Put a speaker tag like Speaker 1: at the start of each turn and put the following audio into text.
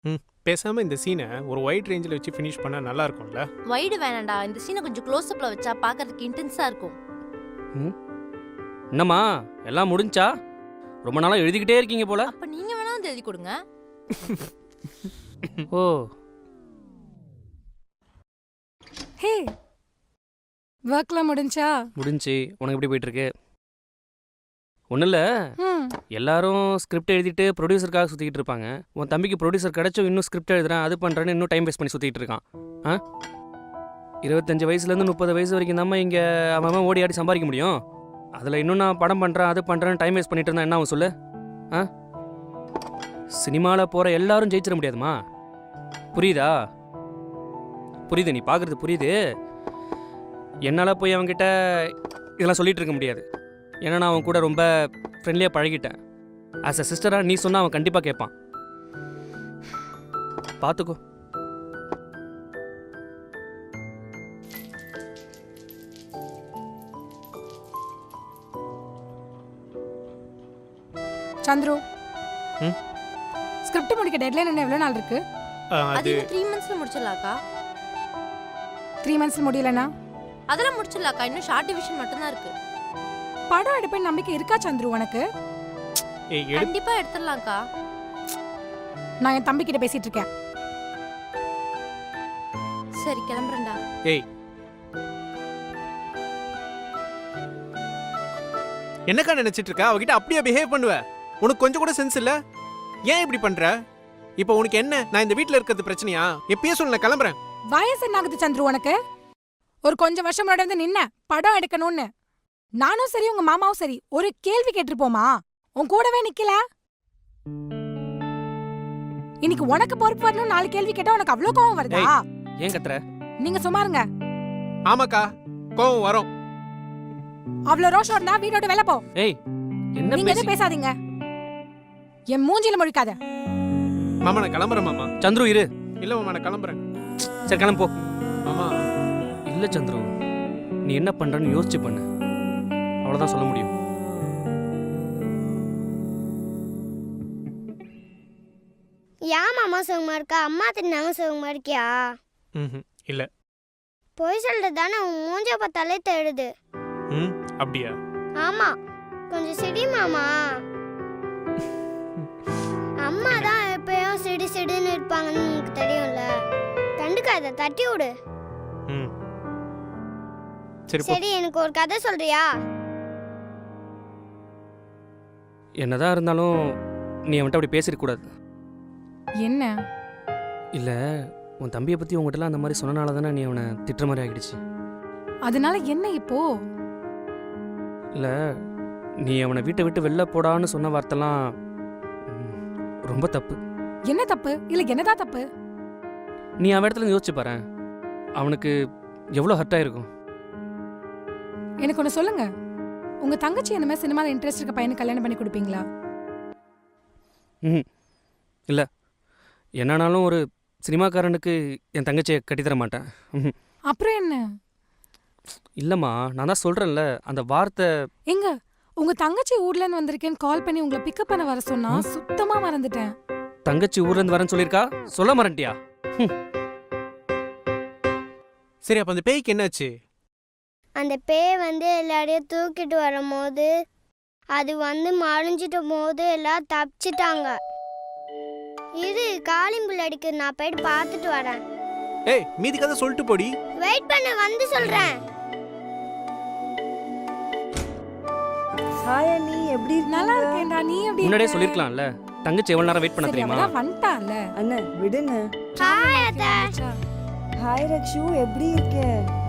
Speaker 1: பேசாம இந்த சீனை ஒரு ஒயிட் ரேஞ்சில் வச்சு ஃபினிஷ் பண்ணா நல்லா இருக்கும்ல.
Speaker 2: வைடு வேணாண்டா, இந்த சீனை கொஞ்சம் க்ளோஸ் அப்ல வச்சா பார்க்கிறதுக்கு இன்டென்ஸா இருக்கும்.
Speaker 3: என்னம்மா எல்லாம் முடிஞ்சா? ரொம்ப நாளா எழுதிக்கிட்டே இருக்கீங்க போல.
Speaker 2: அப்ப நீங்க வேணா வந்து எழுதி கொடுங்க.
Speaker 3: ஓ
Speaker 4: ஹே, ஒர்க்லாம் முடிஞ்சா?
Speaker 3: முடிஞ்சு. உனக்கு எப்படி போயிட்டு இருக்கு? ஒன்றும் இல்லை, எல்லாரும் ஸ்கிரிப்ட் எழுதிட்டு ப்ரொடியூசருக்காக சுற்றிக்கிட்டு இருப்பாங்க. உன் தம்பிக்கு ப்ரொடியூசர் கிடச்சும் இன்னும் ஸ்கிரிப்ட் எழுதுறேன் அது பண்ணுறேன்னு இன்னும் டைம் வேஸ்ட் பண்ணி சுற்றிக்கிட்டு இருக்கான். 25 வயசுலேருந்து 30 வயசு வரைக்கும் தான் இங்கே அவன் ஓடி ஆடி சம்பாதிக்க முடியும். அதில் இன்னும் நான் படம் பண்ணுறேன் அது பண்ணுறேன்னு டைம் வேஸ்ட் பண்ணிட்டு இருந்தா என்ன ஆகும் சொல்லு? சினிமாவில் போகிற எல்லாரும் ஜெயிச்சிட முடியாதுமா. புரியுதா? புரியுது, நீ பார்க்குறது புரியுது. என்னால் போய் அவன்கிட்ட இதெல்லாம் சொல்லிகிட்டு இருக்க முடியாது. ஏன்னா நான் அவன் கூட ரொம்ப ஃப்ரெண்ட்லியாக பழகிட்டேன். ஆஸ் அ சிஸ்டராக நீ சொன்னால் அவன் கண்டிப்பாக கேட்பான். பார்த்துக்கோ.
Speaker 4: சந்துரு, ஸ்கிரிப்ட் முடிக்க டெட்லைன் என்ன எவ்வளவு நாள் இருக்கு?
Speaker 2: அது 3 மந்த்ஸ்ல முடிச்சிடலாக்கா.
Speaker 4: 3 மந்த்ஸ்ல முடியலனா
Speaker 2: அதெல்லாம் முடிச்சிடலாக்கா. இன்னும் ஷார்ட் டிவிஷன் மட்டும் தான் இருக்கு.
Speaker 4: படம் எடுப்பேன் நம்பிக்கை இருக்கா சந்துரு உனக்கு?
Speaker 2: கண்டிப்பா எடுத்துடலாம்க்கா.
Speaker 4: நான் என் தம்பி கிட்ட பேசிட்டு இருக்கேன்.
Speaker 2: சரி கிளம்புறேன்டா.
Speaker 1: ஏய், என்னக்கா நினைச்சிட்டு இருக்கா? அவகிட்ட அப்படியே பிஹேவ் பண்ணுவ? உனக்கு கொஞ்சம் கூட சென்ஸ் இல்ல? ஏன் இப்படி பண்ற? இப்போ உனக்கு என்ன, நான் இந்த வீட்ல இருக்கிறது பிரச்சனையா? எப்பயே சொல்ல, நான் கிளம்புறேன்.
Speaker 4: வயசு என்ன ஆகுது சந்துரு உனக்கு? ஒரு கொஞ்சம் வருஷம் முன்னாடி வந்து நின்ன படம் எடுக்கணும்னு நானும் சரி உங்க மாமாவும் சரி ஒரு கேள்வி கேட்டிருப்போமா? உன் கூடவே நிக்கல. இன்னைக்கு உனக்கு பொறுப்பு வரணும் 4 கேள்வி கேட்டா உனக்கு அவ்வளவு கோவம் வருதா?
Speaker 3: ஏன் கத்துற?
Speaker 4: நீங்க சும்மா இருங்க.
Speaker 1: ஆமாக்கா, கோவம் வரும்.
Speaker 4: அவ்வளவு ரோஷம் இருந்தா வீட்டோட வெளில போ.
Speaker 3: ஏய், என்ன
Speaker 4: நீங்க எதுவும் பேசாதீங்க. என் மூஞ்சில முழிக்காத.
Speaker 1: மாமா நான் கிளம்புறேன் மாமா.
Speaker 3: சந்துரு இரு.
Speaker 1: இல்ல மாமா நான் கிளம்புறேன்.
Speaker 3: சரி கிளம்பு போ.
Speaker 1: மாமா
Speaker 3: இல்லை சந்துரு, நீ என்ன பண்றன்னு யோசிச்சு பண்ணு. அவ்வளவுதான் சொல்ல முடியும்.
Speaker 5: ஏன் மாமா சுகமா இருக்கா? அம்மா தின்னாம சுகமா இருக்கியா?
Speaker 1: இல்ல.
Speaker 5: போய் சொல்றது தானே, உன் மூஞ்ச பார்த்தாலே தேடுது.
Speaker 1: அப்படியா?
Speaker 5: ஆமா, கொஞ்சம் சிடி மாமா. அம்மா தான் எப்பயும் சிடி சிடின்னு இருப்பாங்கன்னு உனக்கு தெரியும்ல. கண்டுக்காத, தட்டி விடு. சரி, எனக்கு ஒரு கதை சொல்றியா?
Speaker 3: என்னதான் இருந்தாலும் நீ அவன்கிட்ட அப்படி பேசிடக்கூடாது.
Speaker 4: என்ன?
Speaker 3: இல்லை, உன் தம்பியை பற்றி உங்ககிட்டலாம் அந்த மாதிரி சொன்னனால தானே நீ அவனை திட்டுற மாதிரி ஆகிடுச்சு.
Speaker 4: அதனால என்ன இப்போ?
Speaker 3: இல்லை, நீ அவனை வீட்டை விட்டு வெளில போடான்னு சொன்ன வார்த்தைலாம் ரொம்ப தப்பு.
Speaker 4: என்ன தப்பு? இல்லை என்னதான் தப்பு?
Speaker 3: நீ அவன் இடத்துல யோசிச்சு பாரு, அவனுக்கு எவ்வளோ ஹர்ட் ஆயிருக்கும்.
Speaker 4: எனக்கு ஒன்று சொல்லுங்க, உங்க தங்கச்சி என்ன மாதிரி சினிமாவில் இன்ட்ரெஸ்ட் இருக்க பையனுக்கு கல்யாணம் பண்ணி கொடுப்பீங்களா?
Speaker 3: இல்லை, என்னானாலும் ஒரு சினிமாக்காரனுக்கு என் தங்கச்சியை கட்டித்தர மாட்டேன்.
Speaker 4: அப்புறம் என்ன?
Speaker 3: இல்லைம்மா, நான் தான் சொல்கிறேன்ல, அந்த வார்த்தை.
Speaker 4: எங்க உங்க தங்கச்சி ஊர்லேருந்து வந்திருக்கேன்னு கால் பண்ணி உங்களை பிக்கப் பண்ண வர சொன்னா சுத்தமா மறந்துட்டேன்.
Speaker 3: தங்கச்சி ஊர்லேருந்து வரேன்னு சொல்லியிருக்கா, சொல்ல மறந்துட்டியா?
Speaker 1: சரி, அப்ப அந்த பேய்க்கு என்னாச்சு?
Speaker 5: அந்த பேய் வந்து எல்லாரையும் தூக்கிட்டு வரும்போது அது வந்து மறைஞ்சிட்ட போது எல்லாம் தப்பிச்சிட்டாங்க. இது காளிம்புல் அடிக்கு, நான் போயிட்டு பார்த்துட்டு வரேன்.
Speaker 1: ஏய், மீதி கதை சொல்லிட்டு போடி.
Speaker 5: வெயிட் பண்ண, வந்து சொல்றேன்.
Speaker 6: ஹாய் அண்ணி, எப்படி
Speaker 4: நல்லா இருக்கேன்டா. நீ எப்படி?
Speaker 3: முன்னாடியே சொல்லிருக்கலாம்ல, தங்கச்சி எவ்வளவு நேரம் வெயிட் பண்ண தெரியுமா?
Speaker 4: வந்துட்டான்ல.
Speaker 6: அண்ணா விடுங்க.
Speaker 5: ஹாய் அத்தை.
Speaker 6: ஹாய் ரக்ஷு, எப்படி இருக்க?